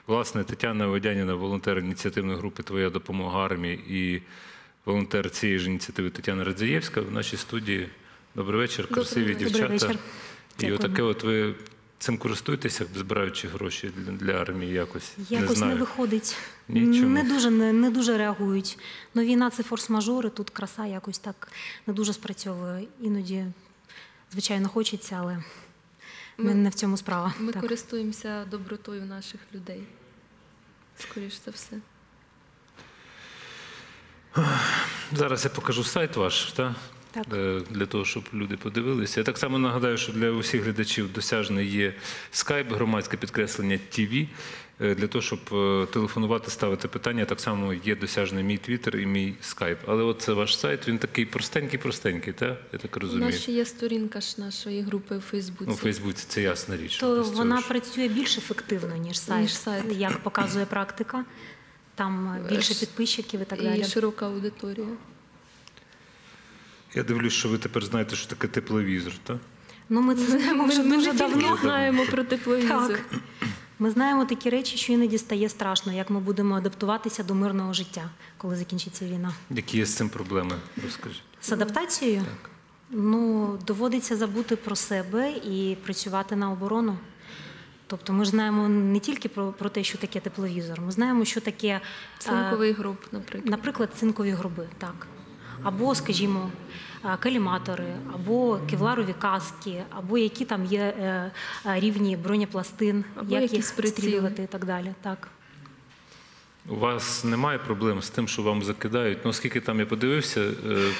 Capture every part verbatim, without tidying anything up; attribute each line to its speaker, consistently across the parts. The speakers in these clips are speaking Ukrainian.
Speaker 1: Власне, Тетяна Водяніна, волонтер ініціативної групи «Твоя допомога армії» і волонтер цієї ж ініціативи Тетяна Радзієвська в нашій студії. Добрий вечір, красиві дівчата. І отаке от ви цим користуєтеся, збираючи гроші для, для армії якось?
Speaker 2: Якось
Speaker 1: не, знаю.
Speaker 2: не виходить.
Speaker 1: Нічому.
Speaker 2: Не дуже, не, не дуже реагують. Ну, війна – це форс-мажори, тут краса якось так не дуже спрацьовує. Іноді, звичайно, хочеться, але ми, не в цьому справа.
Speaker 3: Ми
Speaker 2: так.
Speaker 3: користуємося добротою наших людей, скоріш за все.
Speaker 1: Зараз я покажу сайт ваш, так?
Speaker 2: Так.
Speaker 1: Для того, щоб люди подивилися. Я так само нагадаю, що для усіх глядачів досяжний є скайп, громадське підкреслення ТВ. Для того, щоб телефонувати, ставити питання, так само є досяжний мій твіттер і мій скайп. Але от це ваш сайт, він такий простенький-простенький, так? Я так розумію.
Speaker 3: У нас ще є сторінка ж нашої групи у Фейсбуці.
Speaker 1: Ну, у Фейсбуці це ясна річ.
Speaker 2: То вона ж працює більш ефективно, ніж сайт,
Speaker 3: ніж сайт,
Speaker 2: як показує практика. Там більше підписчиків і так далі.
Speaker 3: І широка аудиторія.
Speaker 1: Я дивлюсь, що ви тепер знаєте, що таке тепловізор, так?
Speaker 2: Ну, ми це знаємо вже
Speaker 3: ми
Speaker 2: дуже
Speaker 3: не
Speaker 2: давно.
Speaker 3: тільки знаємо про тепловізор.
Speaker 2: Так. Ми знаємо такі речі, що іноді стає страшно, як ми будемо адаптуватися до мирного життя, коли закінчиться війна.
Speaker 1: Які є з цим проблеми, розкажіть?
Speaker 2: З адаптацією?
Speaker 1: Так.
Speaker 2: Ну, доводиться забути про себе і працювати на оборону. Тобто ми ж знаємо не тільки про, про те, що таке тепловізор, ми знаємо, що таке...
Speaker 3: Цинковий гроб, наприклад.
Speaker 2: Наприклад, цинкові гроби, так. Або, скажімо, каліматори, або кевларові каски, або які там є рівні бронепластин,
Speaker 3: або
Speaker 2: як їх
Speaker 3: приціли.
Speaker 2: стрілювати і так далі. Так.
Speaker 1: У вас немає проблем з тим, що вам закидають? Ну, оскільки там я подивився,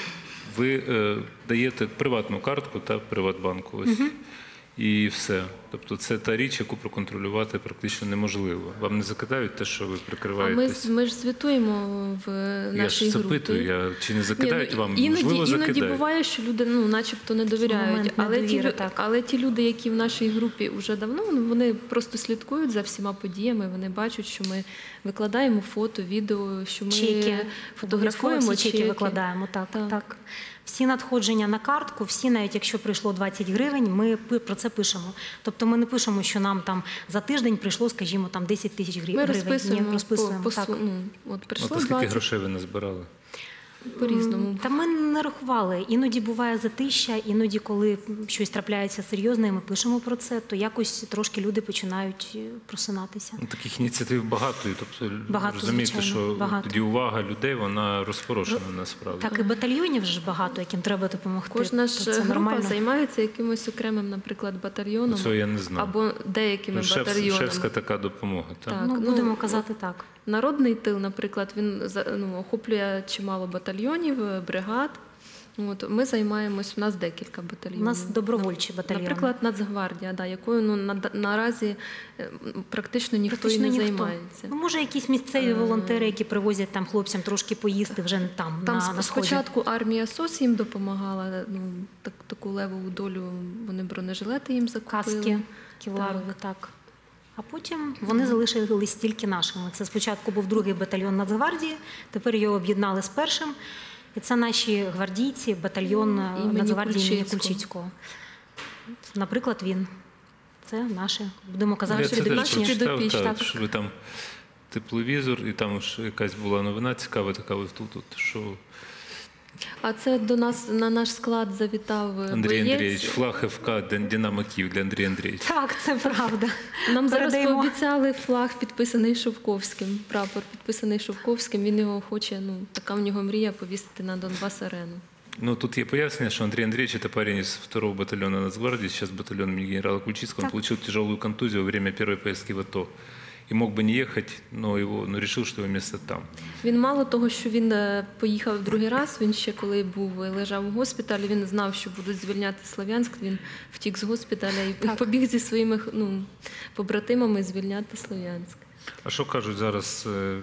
Speaker 1: ви даєте приватну картку та Приватбанку. Ось. Угу. І все. Тобто це та річ, яку проконтролювати практично неможливо. Вам не закидають те, що ви прикриваєтесь?
Speaker 3: А ми, ми ж звітуємо в нашій
Speaker 1: я ж
Speaker 3: групі.
Speaker 1: запитую, я, чи не закидають
Speaker 3: Ні,
Speaker 1: вам?
Speaker 3: Іноді,
Speaker 1: Можливо,
Speaker 3: іноді
Speaker 1: закидають.
Speaker 3: буває, що люди ну, начебто не довіряють. Але,
Speaker 2: недовіри,
Speaker 3: ті,
Speaker 2: так.
Speaker 3: але ті люди, які в нашій групі вже давно, вони просто слідкують за всіма подіями, вони бачать, що ми викладаємо фото, відео, що ми
Speaker 2: чеки.
Speaker 3: фотографуємо
Speaker 2: всі чеки. чеки викладаємо, так, так. так. Всі надходження на картку, всі, навіть якщо прийшло двадцять гривень, ми про це пишемо. Тобто ми не пишемо, що нам там за тиждень прийшло, скажімо, там десять тисяч гривень.
Speaker 3: Ми розписуємо.
Speaker 2: Ні, розписуємо
Speaker 3: по,
Speaker 2: так.
Speaker 3: по, ну, от прийшло
Speaker 1: от, скільки
Speaker 3: двадцять
Speaker 1: грошей ви назбирали?
Speaker 3: По-різному.
Speaker 2: Та ми не рахували. Іноді буває затища, іноді, коли щось трапляється серйозне, і ми пишемо про це, то якось трошки люди починають просинатися.
Speaker 1: Ну, таких ініціатив багато. І, тобто,
Speaker 2: багато,
Speaker 1: розумієте,
Speaker 2: звичайно,
Speaker 1: що
Speaker 2: багато.
Speaker 1: тоді увага людей, вона розпорошена насправді.
Speaker 2: Так, і батальйонів ж багато, яким треба допомогти.
Speaker 3: Кожна ж
Speaker 2: це
Speaker 3: група
Speaker 2: нормально.
Speaker 3: займається якимось окремим, наприклад, батальйоном.
Speaker 1: Цього я не знав.
Speaker 3: Або деякими
Speaker 1: ну,
Speaker 3: батальйонами.
Speaker 1: Шефська така допомога. Так?
Speaker 3: Так,
Speaker 2: ну,
Speaker 3: ну,
Speaker 2: будемо казати так.
Speaker 3: Народний тил, наприклад, він ну, охоплює чимало батальйонів, бригад. От, ми займаємось, у нас декілька батальйонів.
Speaker 2: У нас добровольчі батальйони.
Speaker 3: Наприклад, Нацгвардія, да, якою ну, на, наразі практично ніхто
Speaker 2: практично
Speaker 3: і не
Speaker 2: ніхто.
Speaker 3: займається.
Speaker 2: Ну, може, якісь місцеві волонтери, які привозять там хлопцям трошки поїсти вже не там,
Speaker 3: Там
Speaker 2: на, на сході.
Speaker 3: Спочатку армія СОС їм допомагала, ну, так, таку левову долю, вони бронежилети їм закупили.
Speaker 2: Каски кевларові, так. так. А потім вони залишились тільки нашими. Це спочатку був другий батальйон Нацгвардії, тепер його об'єднали з першим. І це наші гвардійці, батальйон Нацгвардії імені Кульчицького. Наприклад, він. Це наші, будемо казати,
Speaker 1: що
Speaker 2: підопічні.
Speaker 1: підопічні. Так, що ви там тепловізор, і там ж якась була новина цікава, така ось тут, тут, що...
Speaker 3: А це до нас на наш склад завітав
Speaker 1: Андрій
Speaker 3: боєць.
Speaker 1: Андрійович, флаг еф ка «Динамо Київ» для Андрія Андрійовича.
Speaker 2: Так, це правда.
Speaker 3: Нам зараз
Speaker 2: Передаємо.
Speaker 3: пообіцяли флаг, підписаний Шовковським, прапор підписаний Шовковським. Він його хоче, ну, така в нього мрія повісити на Донбас-арену.
Speaker 1: Ну, тут є пояснення, что Андрей Андреевич, это парень из второго батальона Нацгвардии, сейчас батальон имени генерала Кульчицкого, он получил тяжелую контузию во время первой поездки в АТО. И мог бы не ехать, но, его, но решил, что его место там.
Speaker 3: Він мало того, що він поїхав другий раз, він ще коли був, лежав у госпіталі, він знав, що будуть звільняти Слов'янськ, він втік з госпіталя і так. побіг зі своїми ну, побратимами звільняти Слов'янськ.
Speaker 1: А що кажуть зараз,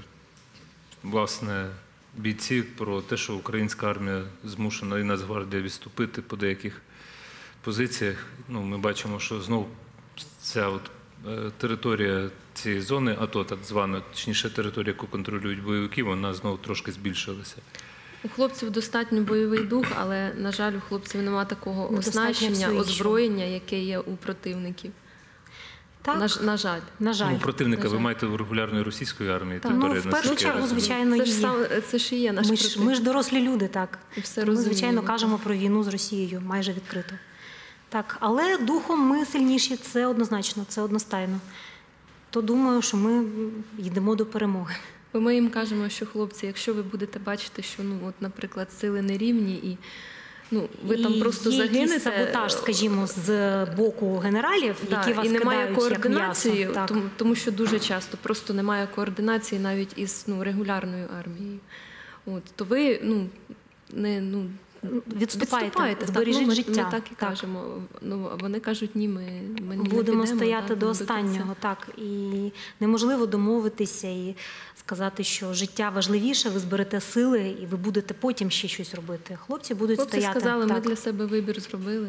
Speaker 1: власне, бійці про те, що українська армія змушена і Нацгвардія відступити по деяких позиціях? Ну, ми бачимо, що знову ця от територія цієї зони АТО, так звана, точніше територія, яку контролюють бойовики, вона знову трошки збільшилася.
Speaker 3: У хлопців достатньо бойовий дух, але, на жаль, у хлопців немає такого оснащення, озброєння, яке є у противників.
Speaker 2: Так.
Speaker 3: На, ж- на жаль.
Speaker 2: На жаль.
Speaker 1: Ну, противника
Speaker 3: на
Speaker 1: ви
Speaker 3: жаль.
Speaker 1: маєте в регулярної російської армії?
Speaker 3: Так.
Speaker 1: тепер,
Speaker 2: Ну,
Speaker 1: я
Speaker 2: в першу
Speaker 1: наскільки я
Speaker 2: чергу,
Speaker 1: розумію.
Speaker 2: звичайно,
Speaker 3: Це ж,
Speaker 2: є.
Speaker 3: сам, це ж і є наш
Speaker 2: Ми ж,
Speaker 3: противник.
Speaker 2: ми ж дорослі люди, так.
Speaker 3: І все
Speaker 2: Ми, звичайно,
Speaker 3: розуміємо.
Speaker 2: кажемо про війну з Росією майже відкрито. Так, але духом ми сильніші, це однозначно, це одностайно. То думаю, що ми йдемо до перемоги.
Speaker 3: Бо ми їм кажемо, що хлопці, якщо ви будете бачити, що, ну, от, наприклад, сили нерівні і ну, ви там
Speaker 2: І
Speaker 3: просто
Speaker 2: є
Speaker 3: загинете.
Speaker 2: якийсь саботаж, скажімо, з боку генералів,
Speaker 3: Да,
Speaker 2: які вас
Speaker 3: і немає
Speaker 2: кидають як
Speaker 3: координації,
Speaker 2: м'ясо. Так.
Speaker 3: тому, тому що дуже часто просто немає координації навіть із ну, регулярною армією. От, то ви ну, не, ну,
Speaker 2: Відступайте,
Speaker 3: відступаєте,
Speaker 2: збережіть
Speaker 3: так, ну, ми,
Speaker 2: життя.
Speaker 3: Ми так і
Speaker 2: Так.
Speaker 3: кажемо. Ну, а вони кажуть, ні, ми, ми не
Speaker 2: Будемо
Speaker 3: підемо,
Speaker 2: стояти
Speaker 3: так,
Speaker 2: до
Speaker 3: кінця.
Speaker 2: останнього, так. І неможливо домовитися і сказати, що життя важливіше, ви зберете сили і ви будете потім ще щось робити. Хлопці будуть
Speaker 3: Хлопці
Speaker 2: стояти.
Speaker 3: сказали, ми
Speaker 2: так.
Speaker 3: для себе вибір зробили.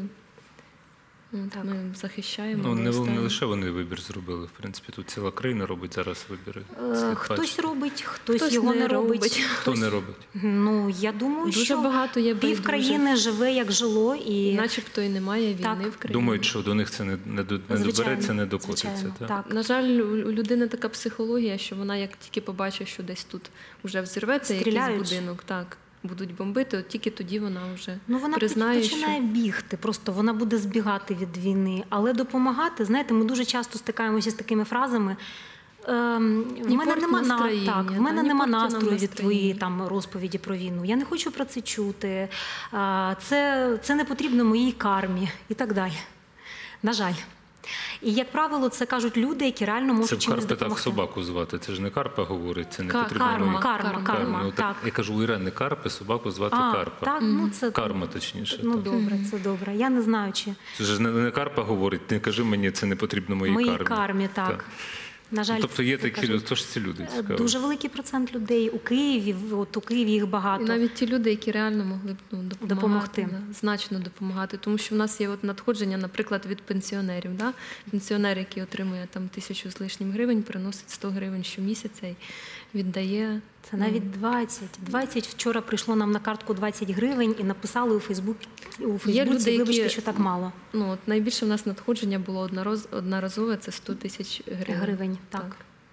Speaker 3: От,
Speaker 2: Так.
Speaker 3: Ми захищаємо.
Speaker 1: Ну,
Speaker 3: до
Speaker 1: не, не
Speaker 3: останнього.
Speaker 1: лише вони вибір зробили. В принципі, тут ціла країна робить зараз вибіри.
Speaker 2: Е,
Speaker 1: Слід
Speaker 2: Хтось
Speaker 1: бачити.
Speaker 2: робить, хтось,
Speaker 3: Хтось
Speaker 2: його
Speaker 3: не
Speaker 2: не робить.
Speaker 3: робить.
Speaker 1: Хто не робить?
Speaker 2: Ну, я думаю,
Speaker 3: Дуже
Speaker 2: що
Speaker 3: багато є
Speaker 2: пів
Speaker 3: байдужих.
Speaker 2: країни живе, як жило. І...
Speaker 3: Начебто і немає війни
Speaker 2: Так.
Speaker 3: в країні.
Speaker 1: Думають, що до них це не, не, до- не
Speaker 2: Звичайно,
Speaker 1: добереться, не докотиться.
Speaker 2: звичайно,
Speaker 1: так?
Speaker 2: так.
Speaker 3: На жаль, у у людини така психологія, що вона як тільки побачить, що десь тут вже взірветься якийсь
Speaker 2: Стріляють.
Speaker 3: будинок, так, будуть бомбити, от тільки тоді вона вже
Speaker 2: Ну, вона
Speaker 3: признає,
Speaker 2: починає
Speaker 3: що...
Speaker 2: бігти, просто вона буде збігати від війни. Але допомагати, знаєте, ми дуже часто стикаємося з такими фразами. Ем, в
Speaker 3: Ні
Speaker 2: мене
Speaker 3: порт
Speaker 2: нема на
Speaker 3: настроєння,
Speaker 2: так, в
Speaker 3: та,
Speaker 2: мене
Speaker 3: ні
Speaker 2: нема
Speaker 3: порти нам
Speaker 2: настрою від
Speaker 3: настроєння.
Speaker 2: твоєї там розповіді про війну. Я не хочу про це чути. А, Це, це не потрібно моїй кармі і так далі. На жаль. І, як правило, це кажуть люди, які реально можуть
Speaker 1: Це в
Speaker 2: чимось
Speaker 1: Карпи так
Speaker 2: допомогти.
Speaker 1: собаку звати. Це ж не Карпа говорить, це не
Speaker 3: Ка-
Speaker 1: потрібно.
Speaker 2: Карма,
Speaker 1: мені.
Speaker 2: карма, карма,
Speaker 3: Карма.
Speaker 1: Ну,
Speaker 2: так.
Speaker 1: Я кажу, у Ірени Карпи, собаку звати
Speaker 2: А,
Speaker 1: Карпа.
Speaker 2: так, ну, це,
Speaker 1: Карма, точніше.
Speaker 2: ну,
Speaker 1: так.
Speaker 2: добре, це добре. Я не знаю, чи
Speaker 1: Це ж не, не Карпа говорить, не кажи мені, це не потрібно моїй
Speaker 2: моїй
Speaker 1: кармі.
Speaker 2: кармі, так.
Speaker 1: Так.
Speaker 2: На жаль,
Speaker 1: Тобто є
Speaker 2: це
Speaker 1: такі
Speaker 2: кажуть.
Speaker 1: люди, хто ж ці люди? Цікаво.
Speaker 2: Дуже великий процент людей у Києві, от у Києві їх багато.
Speaker 3: І навіть ті люди, які реально могли б ну, допомагати,
Speaker 2: Допомогти.
Speaker 3: Да, значно допомагати. Тому що в нас є от надходження, наприклад, від пенсіонерів. Да? Пенсіонер, який отримує там тисячу з лишнім гривень, приносить сто гривень щомісяця і віддає.
Speaker 2: Це навіть двадцять. двадцять вчора прийшло нам на картку двадцять гривень і написали у Фейсбук, у Фейсбуці,
Speaker 3: люди, які-
Speaker 2: вибачте, що так мало.
Speaker 3: Ну, от найбільше в нас надходження було однороз, одноразове, це сто тисяч гривень.
Speaker 2: Гривень, так.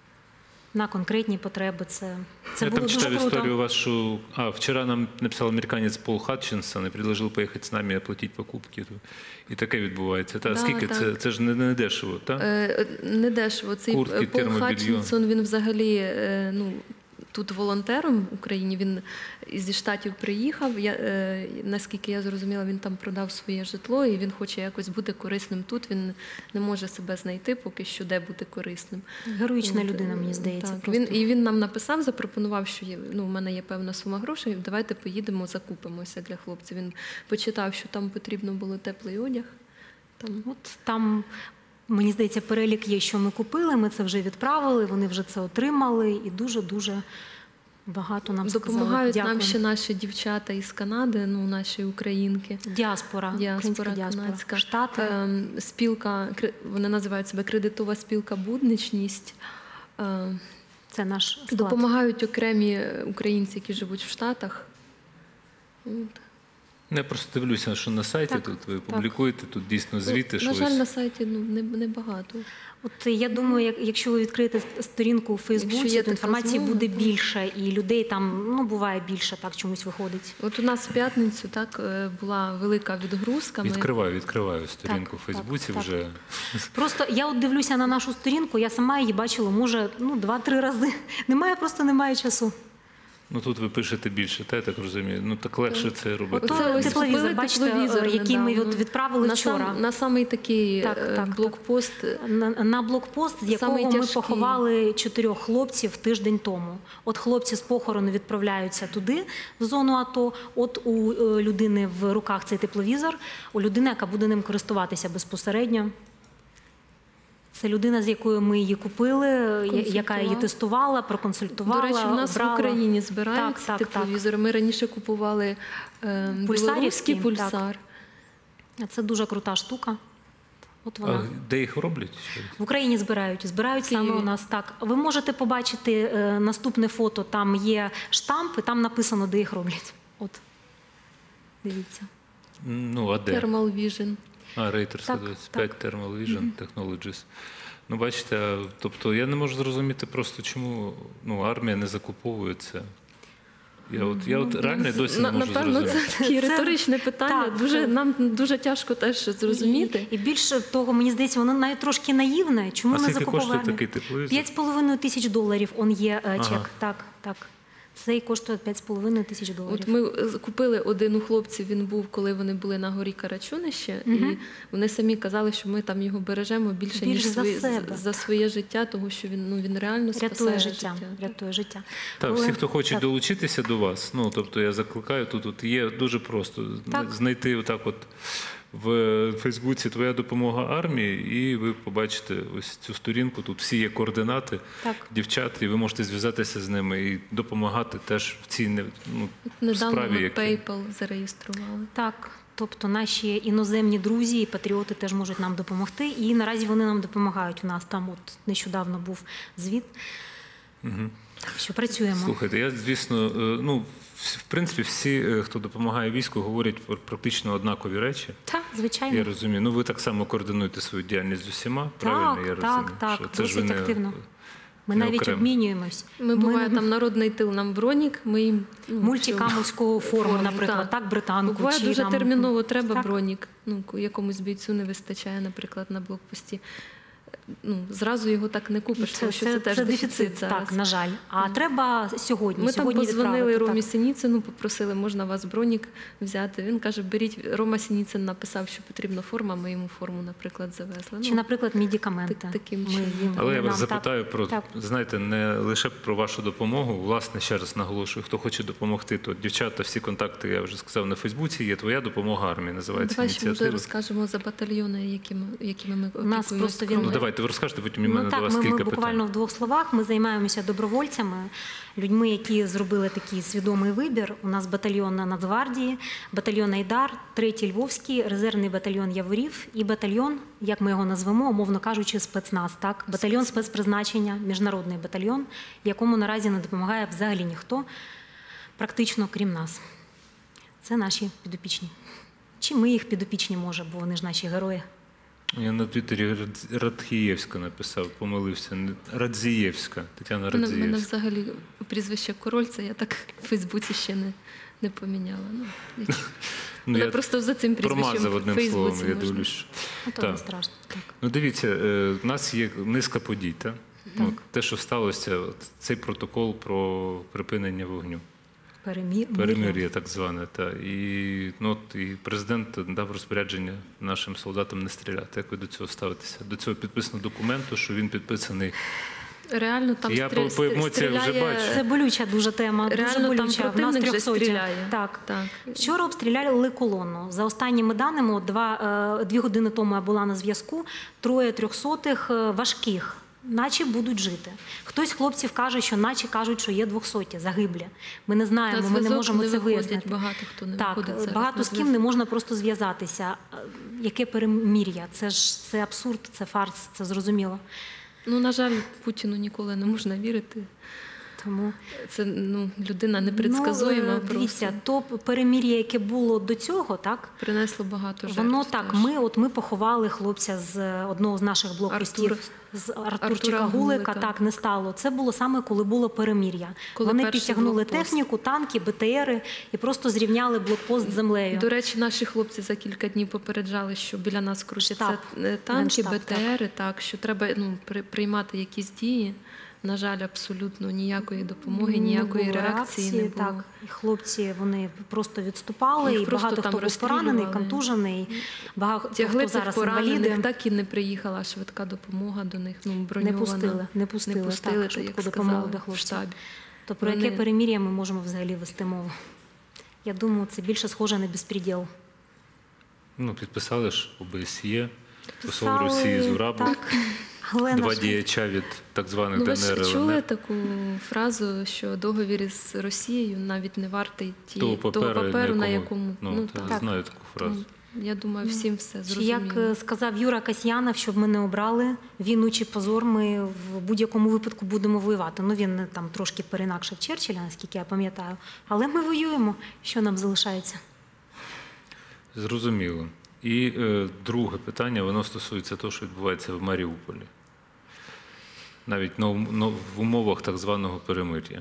Speaker 2: На конкретні потреби це, це
Speaker 1: Я
Speaker 2: було
Speaker 1: там
Speaker 2: дуже
Speaker 1: читав
Speaker 2: круто.
Speaker 1: историю у вас, что... А, вчера нам написал американець Пол Хатчинсон і предложив поїхати з нами і оплатити покупки. І таке відбувається. Та,
Speaker 3: Да,
Speaker 1: скільки
Speaker 3: так.
Speaker 1: це? Це ж не, не дешево, так?
Speaker 3: Е, Не дешево. Цей
Speaker 1: Куртки,
Speaker 3: Пол
Speaker 1: термобільйон.
Speaker 3: Хатчинсон, він взагалі е, ну, тут волонтером в Україні. Він зі Штатів приїхав. Я, е, наскільки я зрозуміла, він там продав своє житло і він хоче якось бути корисним тут. Він не може себе знайти поки що, де бути корисним.
Speaker 2: Героїчна
Speaker 3: От,
Speaker 2: людина, мені
Speaker 3: е,
Speaker 2: здається.
Speaker 3: Так.
Speaker 2: просто.
Speaker 3: Він, і він нам написав, запропонував, що є, ну, в мене є певна сума грошей, давайте поїдемо, закупимося для хлопців. Він почитав, що там потрібно було теплий одяг. Там
Speaker 2: От там, мені здається, перелік є, що ми купили, ми це вже відправили, вони вже це отримали і дуже-дуже багато нам
Speaker 3: допомагають
Speaker 2: сказали.
Speaker 3: нам
Speaker 2: Дякую.
Speaker 3: ще наші дівчата із Канади, ну, наші українські.
Speaker 2: Діаспора, українська
Speaker 3: Діаспора
Speaker 2: діаспора.
Speaker 3: канадська.
Speaker 2: Штати.
Speaker 3: Ем, Спілка, кре- вони називають себе кредитова спілка «Будничність». Ем,
Speaker 2: Це наш склад.
Speaker 3: Допомагають окремі українці, які живуть в Штатах. От.
Speaker 1: Я просто дивлюся, що на сайті
Speaker 2: Так,
Speaker 1: тут ви
Speaker 2: так.
Speaker 1: публікуєте, тут дійсно звіти,
Speaker 3: Ну,
Speaker 1: що
Speaker 3: на жаль,
Speaker 1: ось-
Speaker 3: на сайті ну, не, не багато.
Speaker 2: От я думаю, як- якщо ви відкриєте сторінку у
Speaker 3: Якщо
Speaker 2: Фейсбуці,
Speaker 3: є
Speaker 2: то
Speaker 3: така
Speaker 2: інформації
Speaker 3: змога,
Speaker 2: буде
Speaker 3: то-
Speaker 2: більше, і людей там ну буває більше, так чомусь виходить.
Speaker 3: От у нас в п'ятницю так е, була велика відгрузка. Ми-
Speaker 1: відкриваю, відкриваю сторінку
Speaker 2: Так,
Speaker 1: в Фейсбуці
Speaker 2: так, так.
Speaker 1: вже.
Speaker 2: Просто я от дивлюся на нашу сторінку, я сама її бачила, може, ну два-три рази. Немає, просто немає часу.
Speaker 1: Ну тут ви пишете більше, та я так розумію. Ну так легше це робити.
Speaker 2: Ото
Speaker 3: ось
Speaker 2: тепловізор,
Speaker 3: купили
Speaker 2: бачите,
Speaker 3: тепловізор
Speaker 2: який ми
Speaker 3: недавно.
Speaker 2: от відправили
Speaker 3: на
Speaker 2: вчора.
Speaker 3: Сам, на самий такий
Speaker 2: Так,
Speaker 3: е,
Speaker 2: так, так.
Speaker 3: блокпост.
Speaker 2: На, на блокпост, з якого
Speaker 3: Самий
Speaker 2: ми
Speaker 3: тяжкий.
Speaker 2: поховали чотирьох хлопців тиждень тому. От хлопці з похорону відправляються туди, в зону АТО. От у е, людини в руках цей тепловізор, у людини, яка буде ним користуватися безпосередньо. Це людина, з якою ми її купили, я- яка її тестувала, проконсультувала,
Speaker 3: До речі, у нас
Speaker 2: обрала.
Speaker 3: в Україні збирають
Speaker 2: Так, так,
Speaker 3: тепловізори. Ми раніше купували е,
Speaker 2: Пульсарівські,
Speaker 3: білоруський
Speaker 2: так.
Speaker 3: пульсар.
Speaker 2: Це дуже крута штука. От вона.
Speaker 1: А де їх роблять? Ще раз?
Speaker 2: В Україні збирають, збирають саме
Speaker 3: Києві.
Speaker 2: у нас так. Ви можете побачити е, наступне фото, там є штамп, і там написано, де їх роблять. От, дивіться.
Speaker 1: Ну, а де?
Speaker 3: Thermal Vision.
Speaker 1: А, Рейтерська
Speaker 2: Так,
Speaker 1: двадцять п'ять Thermal Vision Technologies. Ну, бачите, а, тобто я не можу зрозуміти просто, чому ну, армія не закуповується. Я от, я от реально досі не
Speaker 3: На-
Speaker 1: можу
Speaker 3: Напевно,
Speaker 1: зрозуміти.
Speaker 3: це таке
Speaker 2: Це-
Speaker 3: риторичне питання.
Speaker 2: так,
Speaker 3: Дуже,
Speaker 2: це-
Speaker 3: нам дуже тяжко теж зрозуміти.
Speaker 2: І, і більше того, мені здається, воно навіть трошки наївне. Чому
Speaker 1: А
Speaker 2: не
Speaker 1: скільки
Speaker 2: закуповує
Speaker 1: коштує
Speaker 2: армія?
Speaker 1: такий тепловізор?
Speaker 2: П'ять з половиною тисяч доларів он є е, чек.
Speaker 1: Ага.
Speaker 2: Так, так. Цей коштує п'ять з половиною тисяч доларів.
Speaker 3: От ми е, купили один у хлопців, він був, коли вони були на горі Карачунище,
Speaker 2: Мгм.
Speaker 3: і вони самі казали, що ми там його бережемо більше, ніж
Speaker 2: Більш за
Speaker 3: своє,
Speaker 2: себе.
Speaker 3: за своє життя, тому що він, ну, він реально
Speaker 2: Рятує
Speaker 3: спасає
Speaker 2: життя. Рятує життя.
Speaker 1: Так,
Speaker 2: Але-
Speaker 1: всі, хто хоче
Speaker 2: так.
Speaker 1: долучитися до вас, ну тобто я закликаю, тут от є дуже просто
Speaker 2: Так.
Speaker 1: знайти отак от в Фейсбуці твоя допомога армії, і ви побачите ось цю сторінку. Тут всі є координати
Speaker 2: Так.
Speaker 1: дівчат, і ви можете зв'язатися з ними і допомагати теж в цій не- ну,
Speaker 3: Недавно
Speaker 1: справі,
Speaker 3: ми
Speaker 1: які...
Speaker 3: PayPal зареєстрували.
Speaker 2: Так, тобто наші іноземні друзі і патріоти теж можуть нам допомогти. І наразі вони нам допомагають. У нас там от нещодавно був звіт,
Speaker 1: Угу.
Speaker 2: що працюємо.
Speaker 1: Слухайте, я, звісно, е, ну, в в принципі, всі, е, хто допомагає війську, говорять про практично однакові речі.
Speaker 2: Так, звичайно.
Speaker 1: Я розумію. Ну, ви так само координуєте свою діяльність з усіма, правильно? Я
Speaker 2: Так,
Speaker 1: розумію,
Speaker 2: так, так,
Speaker 1: що це ж ви
Speaker 2: досить
Speaker 1: не-
Speaker 2: активно. Ми
Speaker 1: не
Speaker 2: навіть
Speaker 1: окремо.
Speaker 2: обмінюємось.
Speaker 3: Ми, буває, там народний тил, нам бронік, ми їм... ну,
Speaker 2: Мультикамовську форму,
Speaker 3: форму,
Speaker 2: наприклад,
Speaker 3: так.
Speaker 2: так, британку.
Speaker 3: Буває,
Speaker 2: чи
Speaker 3: дуже
Speaker 2: там...
Speaker 3: терміново треба
Speaker 2: Так.
Speaker 3: бронік. Ну, ку- якомусь бійцю не вистачає, наприклад, на блокпості. Ну, зразу його так не купиш, тому що це, теж дефіцит зараз.
Speaker 2: Так, на жаль. А треба сьогодні.
Speaker 3: Ми там
Speaker 2: сьогодні
Speaker 3: позвонили
Speaker 2: відправити,
Speaker 3: Ромі
Speaker 2: так.
Speaker 3: Синіцину, попросили, можна вас бронік взяти. Він каже, беріть. Рома Синіцин написав, що потрібна форма, ми йому форму, наприклад, завезли.
Speaker 2: Чи,
Speaker 3: Ну,
Speaker 2: наприклад, медикаменти.
Speaker 3: так- таким
Speaker 2: Ми
Speaker 3: чином.
Speaker 2: їм-
Speaker 1: Але я
Speaker 2: вони
Speaker 1: вас
Speaker 2: нам
Speaker 1: запитаю
Speaker 2: так-
Speaker 1: про,
Speaker 2: так.
Speaker 1: знаєте, не лише про вашу допомогу. Власне, ще раз наголошую, хто хоче допомогти, то дівчата, всі контакти, я вже сказав, на Фейсбуці є «Твоя допомога армії», називається
Speaker 3: Давай ще може
Speaker 1: ініціатива.
Speaker 3: розкажемо за батальйони, якими, якими ми
Speaker 2: У нас
Speaker 3: опікуємось.
Speaker 2: просто він-
Speaker 1: Ну, давайте ви розкажете, потім і
Speaker 2: Ну,
Speaker 1: мене
Speaker 2: так,
Speaker 1: до вас
Speaker 2: ми,
Speaker 1: кілька
Speaker 2: ми
Speaker 1: питань.
Speaker 2: буквально в двох словах. Ми займаємося добровольцями, людьми, які зробили такий свідомий вибір. У нас батальйон на Нацгвардії, батальйон Айдар, третій Львовський, резервний батальйон Яворів і батальйон, як ми його назвемо, умовно кажучи, спецназ. Так? Батальйон спецпризначення, міжнародний батальйон, якому наразі не допомагає взагалі ніхто, практично крім нас. Це наші підопічні. Чи ми їх підопічні, може, бо вони ж наші герої.
Speaker 1: Я на Твіттері Радз- Радхієвська написав, помилився. Не- Радзієвська, Тетяна
Speaker 3: Мене, мене
Speaker 1: Радзієвська.
Speaker 3: взагалі прізвище Король, це я так в Фейсбуці ще не, не поміняла. Ну, я-
Speaker 1: Ну,
Speaker 3: мене
Speaker 1: я
Speaker 3: просто за цим прізвищем
Speaker 1: промазав
Speaker 3: в
Speaker 1: одним
Speaker 3: Фейсбуці
Speaker 1: словом, я
Speaker 3: можна.
Speaker 1: дивлюсь.
Speaker 2: Ну, то
Speaker 1: Так.
Speaker 2: не страшно. Так.
Speaker 1: Ну, дивіться, е, в нас є низка подій. Та? Ну, те, що сталося, от цей протокол про припинення вогню.
Speaker 2: Перемір...
Speaker 1: Перемир'я так зване. Та. І, ну, от, і президент дав розпорядження нашим солдатам не стріляти. Як ви до цього ставитеся? До цього підписано документу, що він підписаний.
Speaker 3: Реально там
Speaker 1: Я
Speaker 3: стрі-
Speaker 1: по- по емоціях вже
Speaker 3: стріляє-
Speaker 1: бачу.
Speaker 2: Це болюча дуже тема.
Speaker 3: Реально
Speaker 2: дуже
Speaker 3: там
Speaker 2: болюча. В нас
Speaker 3: противник вже
Speaker 2: трьохсоті.
Speaker 3: стріляє.
Speaker 2: Так.
Speaker 3: Так.
Speaker 2: Вчора обстріляли колону. За останніми даними, от два, е, дві години тому я була на зв'язку, троє трьохсотих е, важких. Наче будуть жити. Хтось з хлопців каже, що наче кажуть, що є двохсоті загиблі. Ми не
Speaker 3: На
Speaker 2: знаємо, ми не
Speaker 3: зв'язок
Speaker 2: можемо
Speaker 3: не
Speaker 2: це
Speaker 3: виходять,
Speaker 2: вияснити.
Speaker 3: багато хто не
Speaker 2: Так,
Speaker 3: виходить зараз
Speaker 2: багато
Speaker 3: на
Speaker 2: з ким
Speaker 3: зв'язок.
Speaker 2: не можна просто зв'язатися. Е, Яке перемір'я? Це ж це абсурд, це фарс, це зрозуміло.
Speaker 3: Ну, на жаль, Путіну ніколи не можна вірити.
Speaker 2: Тому
Speaker 3: Це ну, людина непредсказуєма.
Speaker 2: Ну, е, дивіться, то перемір'я, яке було до цього, так?
Speaker 3: Принесло багато жертв.
Speaker 2: Воно так.
Speaker 3: теж.
Speaker 2: Ми от ми поховали хлопця з одного з наших блокпостів,
Speaker 3: Артур.
Speaker 2: з Артурчика
Speaker 3: Артура
Speaker 2: Гулика.
Speaker 3: Гулика.
Speaker 2: Так не стало. Це було саме коли було перемір'я.
Speaker 3: Коли
Speaker 2: Вони
Speaker 3: перший
Speaker 2: підтягнули
Speaker 3: блокпост.
Speaker 2: техніку, танки, БТРи і просто зрівняли блокпост з землею.
Speaker 3: До речі, наші хлопці за кілька днів попереджали, що біля нас крутяться
Speaker 2: Штаб.
Speaker 3: е, танки,
Speaker 2: Генштаб,
Speaker 3: БТРи, так. що треба ну, при- приймати якісь дії. На жаль, абсолютно ніякої допомоги,
Speaker 2: Не
Speaker 3: ніякої
Speaker 2: було
Speaker 3: реакції не було.
Speaker 2: Так, і хлопці вони просто відступали,
Speaker 3: Їх
Speaker 2: і
Speaker 3: просто
Speaker 2: багато
Speaker 3: там
Speaker 2: хто був поранений,
Speaker 3: розстрілювали.
Speaker 2: контужений, багато
Speaker 3: Тягли
Speaker 2: хто
Speaker 3: цих
Speaker 2: зараз
Speaker 3: поранених,
Speaker 2: інваліди.
Speaker 3: так і не приїхала швидка допомога до них, ну,
Speaker 2: Не
Speaker 3: броньована.
Speaker 2: пустили, не пустили,
Speaker 3: Не пустили,
Speaker 2: так,
Speaker 3: та, як
Speaker 2: швидку
Speaker 3: сказали,
Speaker 2: допомогу до
Speaker 3: в
Speaker 2: хлопців.
Speaker 3: штабі.
Speaker 2: То про
Speaker 3: Вони-
Speaker 2: яке перемір'я ми можемо взагалі вести мову? Я думаю, це більше схоже на безпреділ.
Speaker 1: Ну, підписали ж ОБСЄ, посол
Speaker 2: Писали,
Speaker 1: Росії Зурабов,
Speaker 2: так, але, на
Speaker 1: два
Speaker 2: жаль,
Speaker 1: діяча від так званих
Speaker 3: Ну, ви
Speaker 1: ДНР,
Speaker 3: ж чули
Speaker 1: ЛНР.
Speaker 3: таку фразу, що договір із Росією навіть не вартий
Speaker 1: Того
Speaker 3: тієї,
Speaker 1: паперу,
Speaker 3: того паперу, на
Speaker 1: якому-
Speaker 3: якому...
Speaker 1: Ну, та,
Speaker 2: так.
Speaker 1: знаю таку фразу.
Speaker 3: ну, я думаю, всім все
Speaker 2: Чи
Speaker 3: зрозуміло.
Speaker 2: як е, сказав Юра Касьянов, щоб ми не обрали війну чи позор, ми в будь-якому випадку будемо воювати. Ну, він е, там трошки перенакшив Черчилля, наскільки я пам'ятаю. Але ми воюємо. Що нам залишається?
Speaker 1: Зрозуміло. І е, друге питання, воно стосується того, що відбувається в Маріуполі. навіть на ум- на- в умовах так званого перемир'я?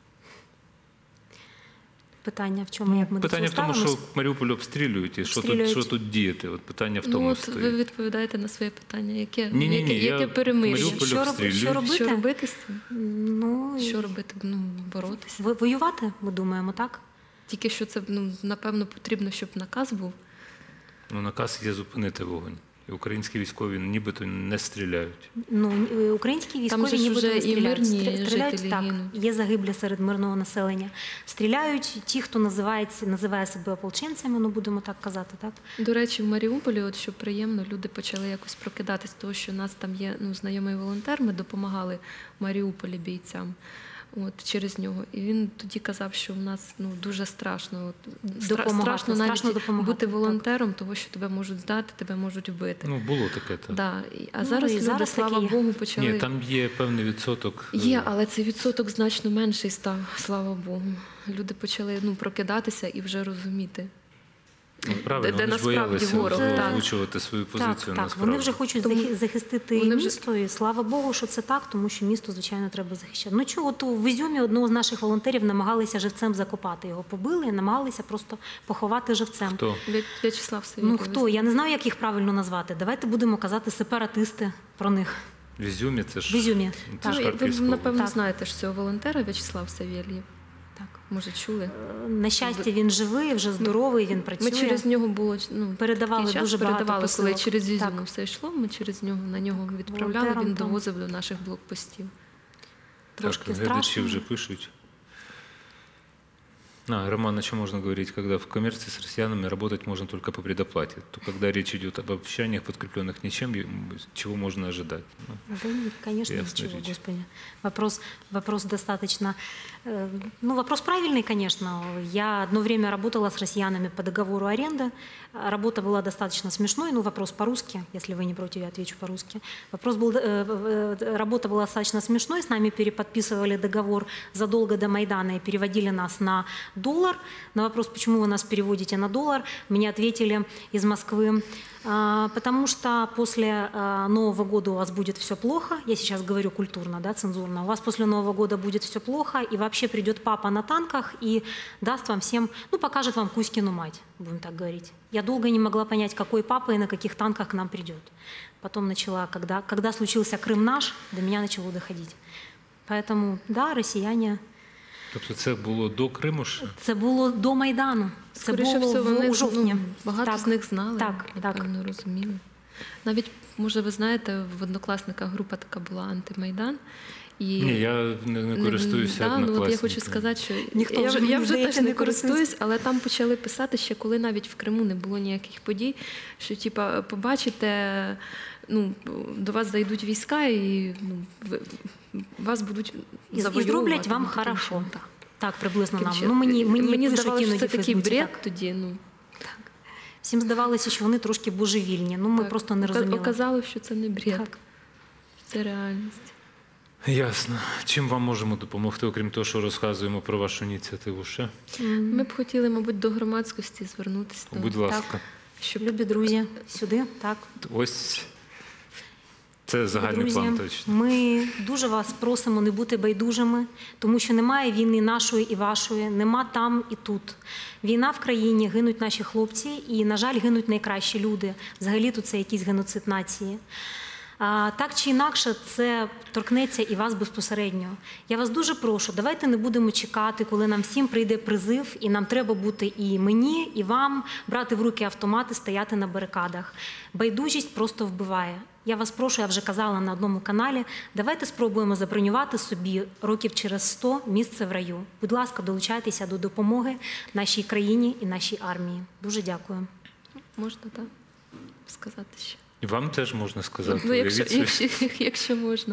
Speaker 2: Питання в чому, як ми до цього
Speaker 1: Питання в тому,
Speaker 2: ставимось?
Speaker 1: що Маріуполь обстрілюють, і що тут,
Speaker 2: Обстрілюють.
Speaker 1: що тут діяти? От питання в
Speaker 3: Ну,
Speaker 1: тому
Speaker 3: от
Speaker 1: стоїть.
Speaker 3: ви відповідаєте на своє питання. Яке,
Speaker 1: Ні-ні-ні,
Speaker 3: яке,
Speaker 1: я
Speaker 3: яке перемир'я?
Speaker 1: Маріуполь
Speaker 2: Що, роб-
Speaker 1: обстрілюють.
Speaker 2: що робити?
Speaker 3: Що робити з цим?
Speaker 2: Ну,
Speaker 3: Що робити? Ну, боротися.
Speaker 2: ви- воювати, ми думаємо, так?
Speaker 3: Тільки що це, ну, напевно, потрібно, щоб наказ був.
Speaker 1: Ну, наказ є зупинити вогонь. І українські військові нібито не стріляють.
Speaker 2: Ну, е, українські
Speaker 3: Там же
Speaker 2: військові
Speaker 3: ж
Speaker 2: нібито
Speaker 3: вже
Speaker 2: не
Speaker 3: і
Speaker 2: стріляють.
Speaker 3: мирні
Speaker 2: Стрі- Стріляють,
Speaker 3: жителі
Speaker 2: так,
Speaker 3: гинуть.
Speaker 2: є загиблі серед мирного населення. Стріляють ті, хто називається, називає себе ополченцями, ну будемо так казати, так?
Speaker 3: До речі, в Маріуполі, от що приємно, люди почали якось прокидатись, того, що у нас там є, ну, знайомий волонтер, ми допомагали в Маріуполі бійцям. От через нього. І він тоді казав, що в нас, ну, дуже страшно. От, стра-
Speaker 2: Допомагати,
Speaker 3: страшно навіть
Speaker 2: страшно допомагати,
Speaker 3: бути
Speaker 2: так.
Speaker 3: волонтером, того, що тебе можуть здати, тебе можуть вбити.
Speaker 1: Ну, було таке. Так.
Speaker 3: Да. І- А
Speaker 2: Ну,
Speaker 3: зараз
Speaker 2: і
Speaker 3: люди,
Speaker 2: зараз
Speaker 3: слава
Speaker 2: таке є.
Speaker 3: Богу, почали.
Speaker 1: Ні, там є певний відсоток. е,
Speaker 3: Є, але цей відсоток значно менший став, слава Богу. Люди почали, ну, прокидатися і вже розуміти.
Speaker 1: Ну, правильно,
Speaker 3: де
Speaker 1: вони ж
Speaker 3: насправді
Speaker 1: боялися
Speaker 3: ворог, так.
Speaker 1: озвучувати свою позицію.
Speaker 2: Так, так.
Speaker 1: насправді.
Speaker 2: Вони вже хочуть
Speaker 3: Тому
Speaker 2: захи- захистити
Speaker 3: вони вже-
Speaker 2: місто, і слава Богу, що це так, тому що місто, звичайно, треба захищати. Ну чого, то в Ізюмі одного з наших волонтерів намагалися живцем закопати. Його побили і намагалися просто поховати живцем.
Speaker 1: Хто?
Speaker 3: В'я- В'ячеслав Савєлєв.
Speaker 2: Ну хто? Я не знаю, як їх правильно назвати. Давайте будемо казати сепаратисти про них.
Speaker 1: В Ізюмі це ж
Speaker 2: В Ізюмі.
Speaker 1: це
Speaker 2: Так.
Speaker 1: ж
Speaker 3: Ну, ви,
Speaker 1: Харківська
Speaker 3: напевно,
Speaker 2: Так.
Speaker 3: знаєте ж цього волонтера В'ячеслав Савєлєв.
Speaker 2: Так.
Speaker 3: Може, чули?
Speaker 2: Е, На щастя, він живий, вже здоровий, він працює.
Speaker 3: Ми через нього було, ну,
Speaker 2: Передавали
Speaker 3: такий час
Speaker 2: дуже багато
Speaker 3: передавали, коли
Speaker 2: посилок.
Speaker 3: через Ізюм
Speaker 2: Так.
Speaker 3: все йшло, ми через нього на нього відправляли,
Speaker 2: Волонтером
Speaker 3: він
Speaker 2: там.
Speaker 3: довозив до наших блокпостів.
Speaker 2: Трошки
Speaker 1: Так, глядачи
Speaker 2: страшно.
Speaker 1: уже пишут. А, Роман, о чем можно говорить, когда в коммерции с россиянами работать можно только по предоплате? То когда речь идет об обещаниях, подкрепленных ничем, е- чего можно ожидать? Ну,
Speaker 2: Да нет, конечно,
Speaker 1: Ясная
Speaker 2: ничего,
Speaker 1: речь.
Speaker 2: Господи. Вопрос, вопрос достаточно... э, Ну, вопрос правильный, конечно. Я одно время работала с россиянами по договору аренды. Работа была достаточно смешной. Ну, вопрос по-русски, если вы не против, я отвечу по-русски. Вопрос был... э, э, Работа была достаточно смешной. С нами переподписывали договор задолго до Майдана и переводили нас на доллар. На вопрос, почему вы нас переводите на доллар, мне ответили из Москвы, а, потому что после а, Нового года у вас будет все плохо. Я сейчас говорю культурно, да, цензурно. У вас после Нового года будет все плохо, и вообще придет папа на танках и даст вам всем, ну, покажет вам Кузькину мать, будем так говорить. Я долго не могла понять, какой папа и на каких танках к нам придет. Потом начала, когда, когда случился Крым наш, до меня начало доходить. Поэтому, да, россияне...
Speaker 1: Тобто це було до Криму ще?
Speaker 2: Це було до Майдану. Це
Speaker 3: Скоріше
Speaker 2: було
Speaker 3: всього,
Speaker 2: в-
Speaker 3: вони
Speaker 2: у жовтні.
Speaker 3: ну, багато
Speaker 2: Так.
Speaker 3: з них знали,
Speaker 2: Так, так.
Speaker 3: напевно, розуміли. Навіть, може, ви знаєте, в однокласниках група така була «Антимайдан». І
Speaker 1: Ні, я не, не користуюся
Speaker 3: да, ну, от
Speaker 1: однокласниками.
Speaker 3: я хочу сказати, що
Speaker 2: Ніхто
Speaker 3: я,
Speaker 2: вже,
Speaker 3: я
Speaker 2: мені
Speaker 3: вже
Speaker 2: здається,
Speaker 3: теж не
Speaker 2: не користується.
Speaker 3: користуюсь, але там почали писати ще, коли навіть в Криму не було ніяких подій, що типа побачите, ну, до вас зайдуть війська і ну, ви, вас будуть
Speaker 2: І, і
Speaker 3: завоювати.
Speaker 2: зроблять вам
Speaker 3: ну, таким
Speaker 2: хорошо.
Speaker 3: чином, так.
Speaker 2: Так, приблизно нам.
Speaker 3: Таким
Speaker 2: Ну, мені,
Speaker 3: чином.
Speaker 2: мені,
Speaker 3: мені
Speaker 2: пишуть
Speaker 3: здавалося, що
Speaker 2: іноді
Speaker 3: це
Speaker 2: в
Speaker 3: такий
Speaker 2: Фейсбуці,
Speaker 3: бред
Speaker 2: так.
Speaker 3: тоді. Ну,
Speaker 2: Всім здавалося, що вони трошки божевільні. Ну, ми
Speaker 3: так.
Speaker 2: просто не
Speaker 3: Ока-
Speaker 2: розуміли.
Speaker 3: Оказалось, що це не бред,
Speaker 2: Так.
Speaker 3: це реальність.
Speaker 1: Ясно. Чим вам можемо допомогти, окрім того, що розказуємо про вашу ініціативу ще?
Speaker 3: Ми б хотіли, мабуть, до громадськості звернутися. до-
Speaker 1: Будь ласка.
Speaker 3: щоб
Speaker 2: Любі друзі, сюди, так.
Speaker 1: Ось це загальний
Speaker 2: Друзі,
Speaker 1: план точно.
Speaker 2: ми дуже вас просимо не бути байдужими, тому що немає війни нашої і вашої, нема там і тут. Війна в країні, гинуть наші хлопці і, на жаль, гинуть найкращі люди. Взагалі тут це якийсь геноцид нації. А, так чи інакше, це торкнеться і вас безпосередньо. Я вас дуже прошу, давайте не будемо чекати, коли нам всім прийде призив, і нам треба бути і мені, і вам, брати в руки автомати, стояти на барикадах. Байдужість просто вбиває. Я вас прошу, я вже казала на одному каналі, давайте спробуємо забронювати собі років через сто місце в раю. Будь ласка, долучайтеся до допомоги нашій країні і нашій армії. Дуже дякую.
Speaker 3: можна так сказати ще.
Speaker 1: І вам теж можна сказати.
Speaker 3: Ну, якщо,
Speaker 1: уявіть собі.
Speaker 3: якщо, якщо можна.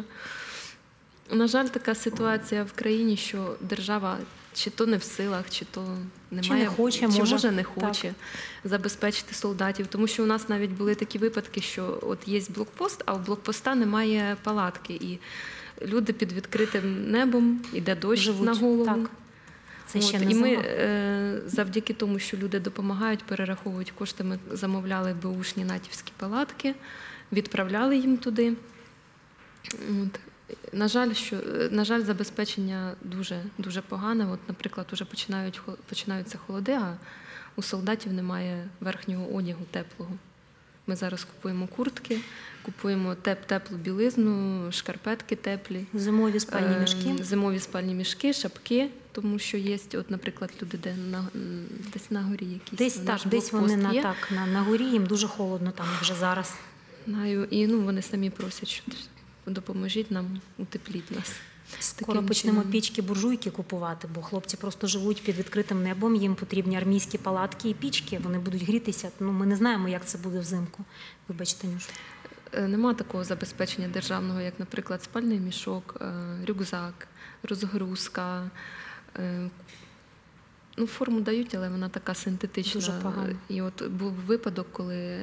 Speaker 3: На жаль, така ситуація в країні, що держава чи то не в силах, чи то немає,
Speaker 2: Чи не хоче,
Speaker 3: чи
Speaker 2: може.
Speaker 3: може не хоче забезпечити солдатів. Тому що у нас навіть були такі випадки, що от є блокпост, а в блокпоста немає палатки. І люди під відкритим небом, іде дощ
Speaker 2: Живуть,
Speaker 3: на голову.
Speaker 2: так. Це ще
Speaker 3: От,
Speaker 2: не
Speaker 3: і ми
Speaker 2: зима.
Speaker 3: е, завдяки тому, що люди допомагають, перераховують кошти, ми замовляли беушні натівські палатки, відправляли їм туди. От. На жаль, що, на жаль, забезпечення дуже, дуже погане. От, наприклад, вже починають, починаються холоди, а у солдатів немає верхнього одягу теплого. Ми зараз купуємо куртки, купуємо теп, теплу білизну, шкарпетки теплі.
Speaker 2: Зимові спальні мішки.
Speaker 3: Зимові спальні мішки, шапки, тому що є, от, наприклад, люди, де на, десь на горі якісь.
Speaker 2: Десь, так, десь вони на, так, на, на горі, їм дуже холодно там вже зараз.
Speaker 3: Знаю, і ну, вони самі просять, що допоможіть нам, утепліть нас.
Speaker 2: Скоро почнемо пічки, буржуйки купувати, бо хлопці просто живуть під відкритим небом, їм потрібні армійські палатки і пічки, вони будуть грітися. Ну, ми не знаємо, як це буде взимку. Вибачте, Нюш.
Speaker 3: Нема такого забезпечення державного, як, наприклад, спальний мішок, рюкзак, розгрузка. Ну, форму дають, але вона така синтетична.
Speaker 2: Дуже погано.
Speaker 3: І от був випадок, коли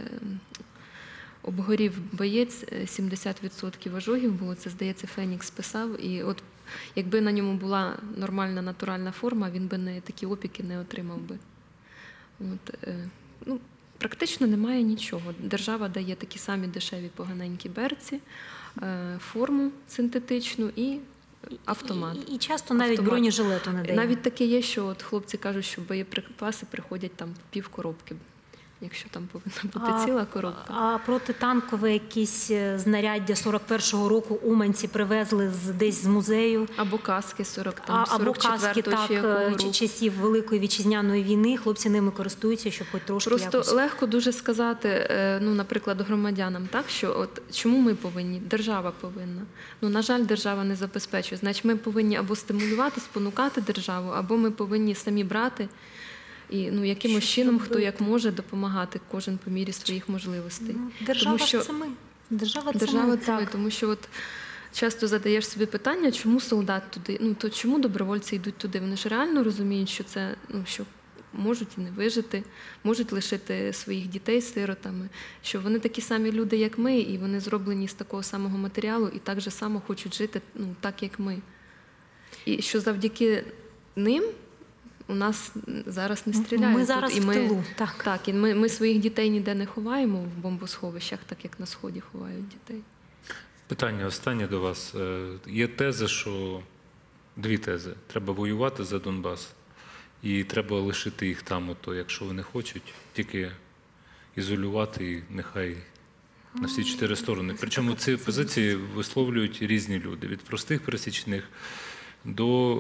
Speaker 3: обгорів боєць, сімдесят відсотків ожогів було, це, здається, Фенікс писав. І от якби на ньому була нормальна натуральна форма, він би не такі опіки не отримав би. От, ну, практично немає нічого. Держава дає такі самі дешеві поганенькі берці, форму синтетичну і автомат.
Speaker 2: І, і часто навіть автомат. Бронежилету не дає.
Speaker 3: Навіть таке є, що от хлопці кажуть, що боєприпаси приходять там пів коробки, якщо там повинна бути а, ціла коробка.
Speaker 2: А протитанкове якісь знаряддя сорок першого року уманці привезли з, десь з музею.
Speaker 3: Або каски сорок там,
Speaker 2: а, або каски, так, часів Великої Вітчизняної війни. Хлопці ними користуються, щоб хоч трошки
Speaker 3: Просто
Speaker 2: якось...
Speaker 3: легко дуже сказати, ну, наприклад, громадянам, так, що от чому ми повинні? Держава повинна. Ну, на жаль, держава не забезпечує. Значить, ми повинні або стимулювати, спонукати державу, або ми повинні самі брати. І ну, якимось чином, хто як може допомагати, кожен по мірі своїх можливостей.
Speaker 2: Ну, держава
Speaker 3: тому, що...
Speaker 2: це ми. Держава це
Speaker 3: держава
Speaker 2: ми,
Speaker 3: це ми, тому що от часто задаєш собі питання, чому солдат туди, ну то чому добровольці йдуть туди? Вони ж реально розуміють, що це, ну, що можуть і не вижити, можуть лишити своїх дітей сиротами, що вони такі самі люди, як ми, і вони зроблені з такого самого матеріалу, і так же само хочуть жити, ну, так, як ми. І що завдяки ним у нас зараз не стріляють.
Speaker 2: Ми зараз
Speaker 3: тут, і
Speaker 2: в
Speaker 3: ми,
Speaker 2: тилу. Так,
Speaker 3: так і ми, ми своїх дітей ніде не ховаємо в бомбосховищах, так як на Сході ховають дітей.
Speaker 1: Питання останнє до вас. Є теза, що дві тези. Треба воювати за Донбас і треба лишити їх там, ото, якщо вони хочуть, тільки ізолювати і нехай на всі чотири сторони. Причому ці позиції висловлюють різні люди. Від простих пересічних до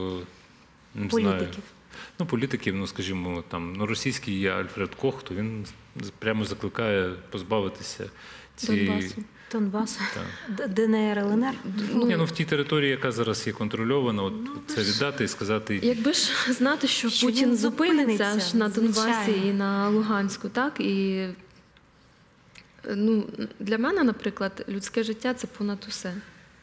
Speaker 1: не
Speaker 2: політиків.
Speaker 1: Знаю, ну, політиків, ну, скажімо, там, ну, російський є Альфред Кох, то він прямо закликає позбавитися цієї...
Speaker 3: Донбасу.
Speaker 2: Донбасу. ДНР, ЛНР?
Speaker 1: Ну, Ні, ну, в тій території, яка зараз є контрольована, от, ну, це віддати і сказати...
Speaker 3: Якби ж знати, що, що Путін зупиниться аж на Донбасі звичайно. І на Луганську, так, і ну, для мене, наприклад, людське життя – це понад усе.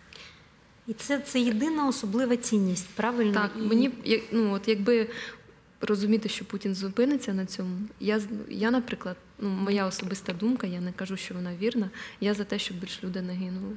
Speaker 2: І це, це єдина особлива цінність, правильно?
Speaker 3: Так, і... мені, ну, от якби розуміти, що Путін зупиниться на цьому, я, я наприклад, ну, моя особиста думка, я не кажу, що вона вірна, я за те, щоб більше людей не гинули.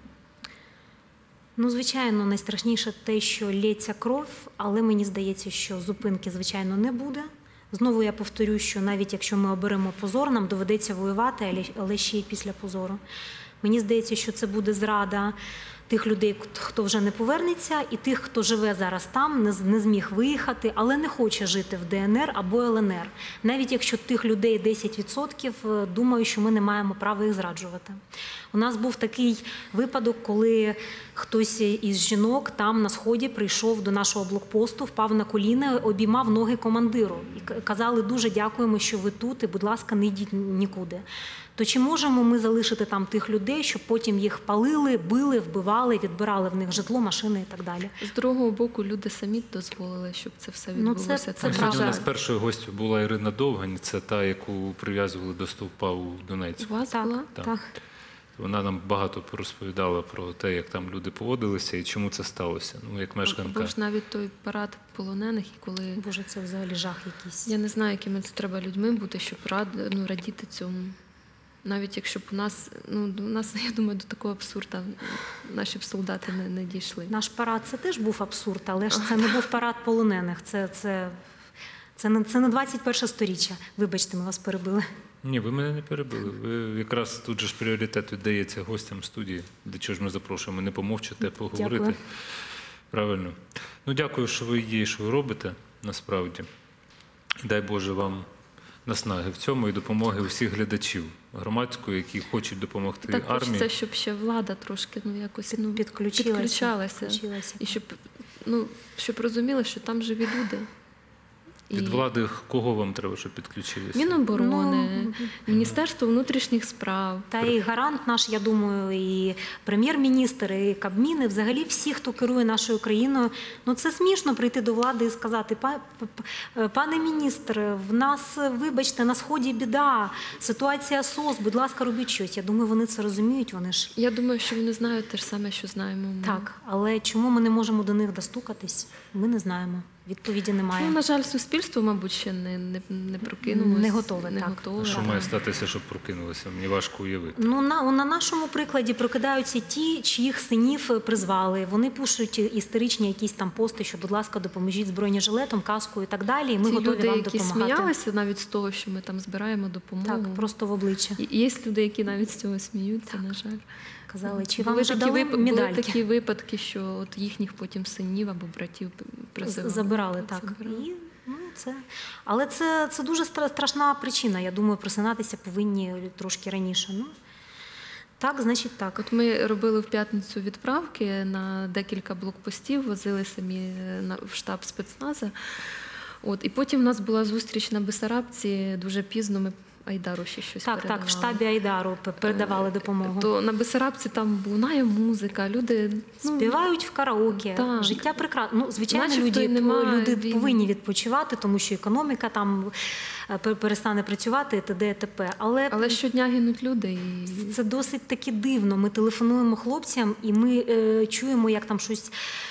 Speaker 2: Ну, звичайно, найстрашніше те, що лється кров, але мені здається, що зупинки, звичайно, не буде. Знову я повторю, що навіть якщо ми оберемо позор, нам доведеться воювати, але ще й після позору. Мені здається, що це буде зрада тих людей, хто вже не повернеться, і тих, хто живе зараз там, не зміг виїхати, але не хоче жити в ДНР або ЛНР. Навіть якщо тих людей десять відсотків, думаю, що ми не маємо права їх зраджувати. У нас був такий випадок, коли хтось із жінок там на Сході прийшов до нашого блокпосту, впав на коліна, обіймав ноги командиру. І казали, дуже дякуємо, що ви тут, і, будь ласка, не йдіть нікуди. То чи можемо ми залишити там тих людей, щоб потім їх палили, били, вбивали, відбирали в них житло, машини і так далі?
Speaker 3: З другого боку, люди самі дозволили, щоб це все відбулося.
Speaker 2: Ну, це, це
Speaker 1: Сьогодні у нас першою гостю була Ірина Довгань, це та, яку прив'язували до стовпа у Донецьку.
Speaker 3: У вас
Speaker 2: так,
Speaker 3: була?
Speaker 2: Так. так.
Speaker 1: Вона нам багато розповідала про те, як там люди поводилися і чому це сталося. Ну, як мешканка.
Speaker 3: Або ж навіть той парад полонених, і коли...
Speaker 2: Боже, це взагалі жах якийсь.
Speaker 3: Я не знаю, якими це треба людьми бути, щоб рад... ну, радіти цьому. Навіть якщо б у нас, ну, у нас, я думаю, до такого абсурду наші б солдати не, не дійшли.
Speaker 2: Наш парад – це теж був абсурд, але ж це не був парад полонених. Це, це, це, не, це не двадцять перше сторіччя. Вибачте, ми вас перебили.
Speaker 1: Ні, ви мене не перебили. Ви якраз тут же ж пріоритет віддається гостям студії. До чого ж ми запрошуємо? Не помовчати, а поговорити.
Speaker 2: Дякую.
Speaker 1: Правильно. Ну, дякую, що ви є, що ви робите, насправді. І дай Боже вам наснаги в цьому і допомоги усіх глядачів громадської, які хочуть допомогти
Speaker 3: Так
Speaker 1: армії.
Speaker 3: хочеться, щоб ще влада трошки ну, якось ну,
Speaker 2: Підключилася.
Speaker 3: підключалася.
Speaker 2: Підключилася.
Speaker 3: І щоб, ну, щоб розуміли, що там живі люди.
Speaker 1: Від влади кого вам треба, щоб підключилися?
Speaker 3: Міноборони,
Speaker 2: Ну,
Speaker 3: Міністерство внутрішніх справ.
Speaker 2: Та і гарант наш, я думаю, і прем'єр-міністр, і Кабмін, і взагалі всі, хто керує нашою країною. Ну це смішно прийти до влади і сказати: «Па- п- пане міністр, в нас, вибачте, на сході біда, ситуація СОС, будь ласка, робіть щось». Я думаю, вони це розуміють, вони ж
Speaker 3: Я думаю, що вони знають те ж саме, що знаємо ми.
Speaker 2: так. Але чому ми не можемо до них достукатись? Ми не знаємо. Відповіді немає.
Speaker 3: Ну, на жаль, суспільство, мабуть, ще не, не, не прокинулося.
Speaker 2: Не готове,
Speaker 3: не
Speaker 2: так.
Speaker 3: готове.
Speaker 1: А що
Speaker 2: Так.
Speaker 1: має статися, щоб прокинулося? Мені важко уявити.
Speaker 2: Ну, на, на нашому прикладі прокидаються ті, чиїх синів призвали. Вони пишуть історичні якісь там пости, що, будь ласка, допоможіть з бронежилетом, каскою і так далі. І ми
Speaker 3: Ті
Speaker 2: готові
Speaker 3: люди,
Speaker 2: вам
Speaker 3: які
Speaker 2: допомагати.
Speaker 3: сміялися навіть з того, що ми там збираємо допомогу.
Speaker 2: Так, просто в обличчя.
Speaker 3: І є люди, які навіть з цього сміються, на жаль.
Speaker 2: Казали, чи
Speaker 3: були
Speaker 2: вам вже
Speaker 3: такі,
Speaker 2: дали
Speaker 3: вип- були
Speaker 2: медальки?
Speaker 3: такі випадки, що от їхніх потім синів або братів призивали.
Speaker 2: Забирали, так.
Speaker 3: Забирали.
Speaker 2: І, ну, це... Але це, це дуже стра- страшна причина. Я думаю, просинатися повинні трошки раніше. Ну, так, значить так.
Speaker 3: От ми робили в п'ятницю відправки на декілька блокпостів, возили самі на- в штаб спецназа. От, і потім у нас була зустріч на Бесарабці, дуже пізно ми Айдару ще щось
Speaker 2: Так,
Speaker 3: передавали.
Speaker 2: так, в штабі Айдару п- передавали допомогу.
Speaker 3: То на Бесарабці там лунає музика, люди ну,
Speaker 2: Співають в караоке.
Speaker 3: так.
Speaker 2: Життя прекрасне. Ну, звичайно,
Speaker 3: Начебто
Speaker 2: люди,
Speaker 3: й нема
Speaker 2: люди
Speaker 3: війни.
Speaker 2: повинні відпочивати, тому що економіка там е, пер- перестане працювати, і т.д. і т.п. Але,
Speaker 3: але щодня гинуть люди. І...
Speaker 2: це досить таки дивно. Ми телефонуємо хлопцям, і ми е, чуємо, як там щось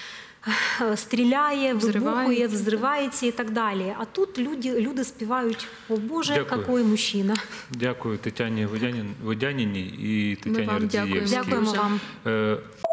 Speaker 2: е, стріляє, вибухує,
Speaker 3: Взривається.
Speaker 2: взривається і так далі. А тут люди, люди співають: «О Боже,
Speaker 1: Дякую.
Speaker 2: який мужчина».
Speaker 1: Дякую Тетяні Водянін- Водяніні і
Speaker 3: Ми
Speaker 1: Тетяні
Speaker 3: вам дякуємо.
Speaker 1: Радзієвській.
Speaker 2: Дякуємо
Speaker 3: Дуже.
Speaker 2: вам.
Speaker 1: Е,